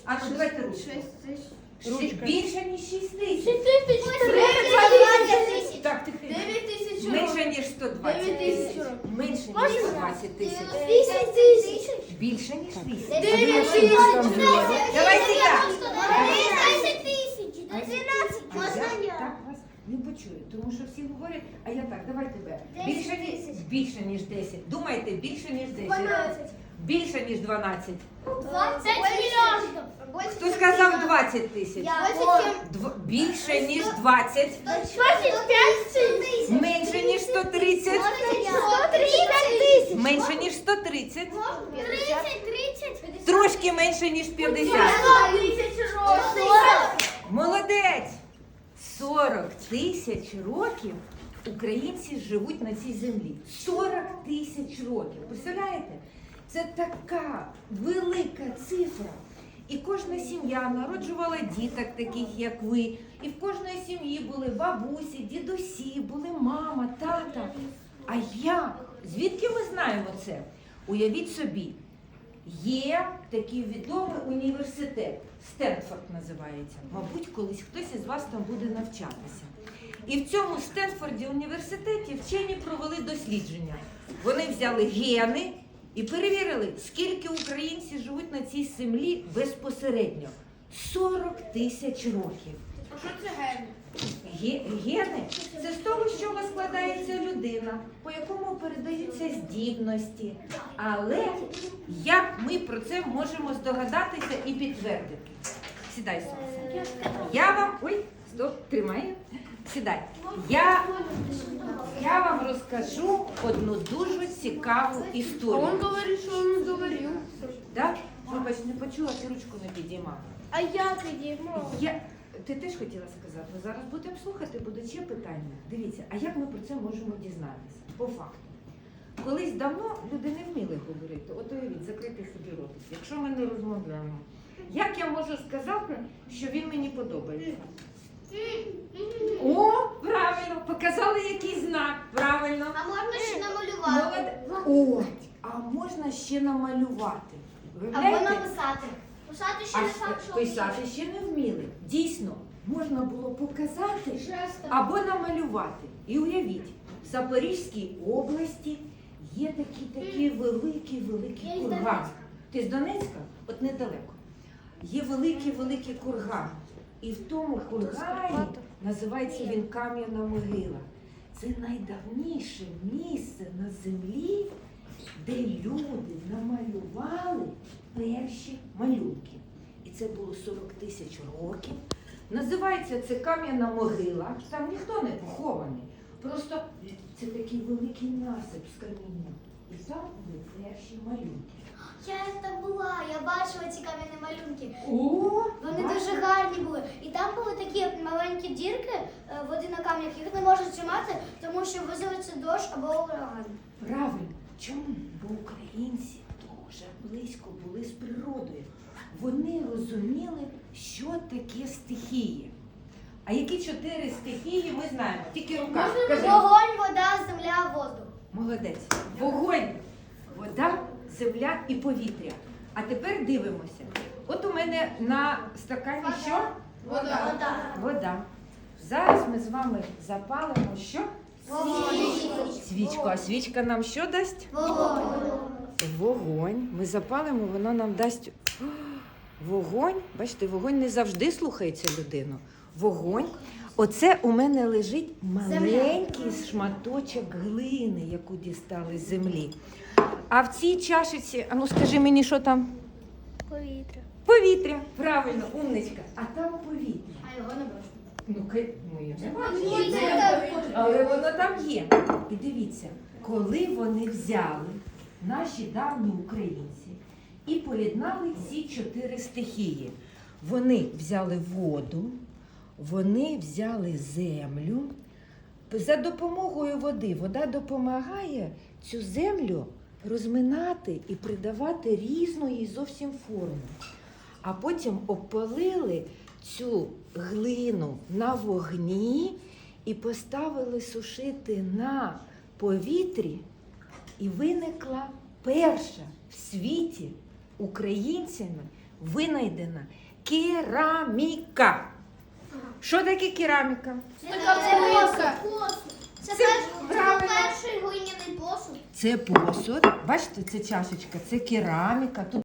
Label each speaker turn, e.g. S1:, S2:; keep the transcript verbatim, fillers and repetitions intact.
S1: А ну давайте ручку.
S2: шість тисяч.
S1: Ші- Більше, ніж шість тисяч.
S2: шість тисяч.
S1: Так, тихо.
S2: дев'ять тисяч років.
S1: Менше, ніж сто двадцять
S2: дев'ять тисяч
S1: тисяч.
S2: років.
S1: Менше, ніж сто двадцять тисяч.
S2: вісім тисяч.
S1: Більше, ніж вісім.
S2: дев'ять
S1: А ви
S2: тисяч.
S1: що там зробили? Давайте я.
S2: десять тисяч.
S1: А я так вас не почую, тому що всі говорять, а я так, давай тебе. Більше, ніж, більше, ніж десять. Думайте, більше, ніж десять.
S2: дванадцять.
S1: Більше, ніж дванадцять.
S2: двадцять мільйонів.
S1: Хто сказав двадцять тисяч? Дв- Більше, ніж двадцять.
S2: двадцять п'ять тисяч.
S1: Менше, ніж сто тридцять.
S2: сто тридцять тисяч.
S1: Менше, ніж сто тридцять.
S2: тридцять, тридцять.
S1: Трошки менше, ніж п'ятдесят.
S2: сто тисяч років.
S1: Молодець! сорок тисяч років українці живуть на цій землі. сорок тисяч років. Представляєте? Це така велика цифра. І кожна сім'я народжувала діток таких, як ви. І в кожної сім'ї були бабусі, дідусі, були мама, тата. А як? Звідки ми знаємо це? Уявіть собі, є такий відомий університет, Стенфорд називається. Мабуть, колись хтось із вас там буде навчатися. І в цьому Стенфорді університеті вчені провели дослідження. Вони взяли гени і перевірили, скільки українці живуть на цій землі безпосередньо. сорок тисяч років.
S2: А що це гени?
S1: Ге- Гени – це з того, з чого складається людина, по якому передаються здібності. Але як ми про це можемо здогадатися і підтвердити? Сідай, Сонце. Я вам... Ой, стоп, тримай. Сідай. Я, я вам розкажу одну дуже цікаву історію.
S2: говорить, що він говорив.
S1: Так? Вибач, не почула, ти ручку не підіймала.
S2: А я підіймав.
S1: Я... Ти теж хотіла сказати, ми зараз будемо слухати, будуть ще питання. Дивіться, а як ми про це можемо дізнатися? По факту. Колись давно люди не вміли говорити. От уявіть, закрити собі ротик. Якщо ми не розмовляємо, як я можу сказати, що він мені подобається? О, правильно, показали якийсь знак, правильно.
S2: А можна ще намалювати?
S1: Молоде- О, а можна ще намалювати.
S2: Або
S1: Виявляєте?
S2: написати. Писати ще
S1: А
S2: не факт, що
S1: писати ще не вміли. Дійсно, можна було показати
S2: Жестом.
S1: або намалювати. І уявіть, в Запорізькій області є такий такий великий великий
S2: Я із
S1: курган.
S2: Донецька.
S1: Ти з Донецька? От недалеко. Є великий великий курган. І в тому кургані називається він Кам'яна могила. Це найдавніше місце на землі, де люди намалювали перші малюнки. І це було сорок тисяч років. Називається це Кам'яна могила. Там ніхто не похований. Просто це такий великий насип з каміння. І там були перші малюнки.
S2: Я там була, я бачила ці кам'яні малюнки.
S1: О,
S2: Вони
S1: бачиш?
S2: дуже гарні були. І там були такі маленькі дірки е, води на камнях, їх не можуть тримати, тому що визоветься дощ або ураган.
S1: Правильно. Чому? Бо українці дуже близько були з природою. Вони розуміли, що таке стихії. А які чотири стихії ми знаємо? Тільки рука. Кажи.
S2: Вогонь, вода, земля, воздух.
S1: Молодець. Вогонь, вода, земля і повітря. А тепер дивимося. От у мене на стакані що?
S2: Вода. Вода.
S1: Вода. Зараз ми з вами запалимо що? Свічку. А свічка нам що дасть?
S2: Вогонь.
S1: Вогонь. Ми запалимо, воно нам дасть О, вогонь. Бачите, вогонь не завжди слухається людину. Вогонь. Оце у мене лежить маленький шматочок глини, яку дістали з землі. А в цій чашиці, а ну скажи мені, що там?
S2: Повітря.
S1: Повітря. Правильно, умничка. А там повітря.
S2: А його не бачу.
S1: Ну, ки- ну я не бачу. Але воно там є. І дивіться, коли вони взяли, наші давні українці, і поєднали ці чотири стихії. Вони взяли воду, вони взяли землю. За допомогою води вода допомагає цю землю розминати і придавати різної зовсім форми. А потім обпалили цю глину на вогні і поставили сушити на повітрі, і виникла перша в світі українцями винайдена кераміка. Що таке кераміка?
S2: Це
S3: Така
S2: посуд. Це
S1: Це
S2: перш- це
S1: правильно.
S2: перший глиняний посуд.
S1: Це посуд. Бачите, це чашечка, це кераміка. Тут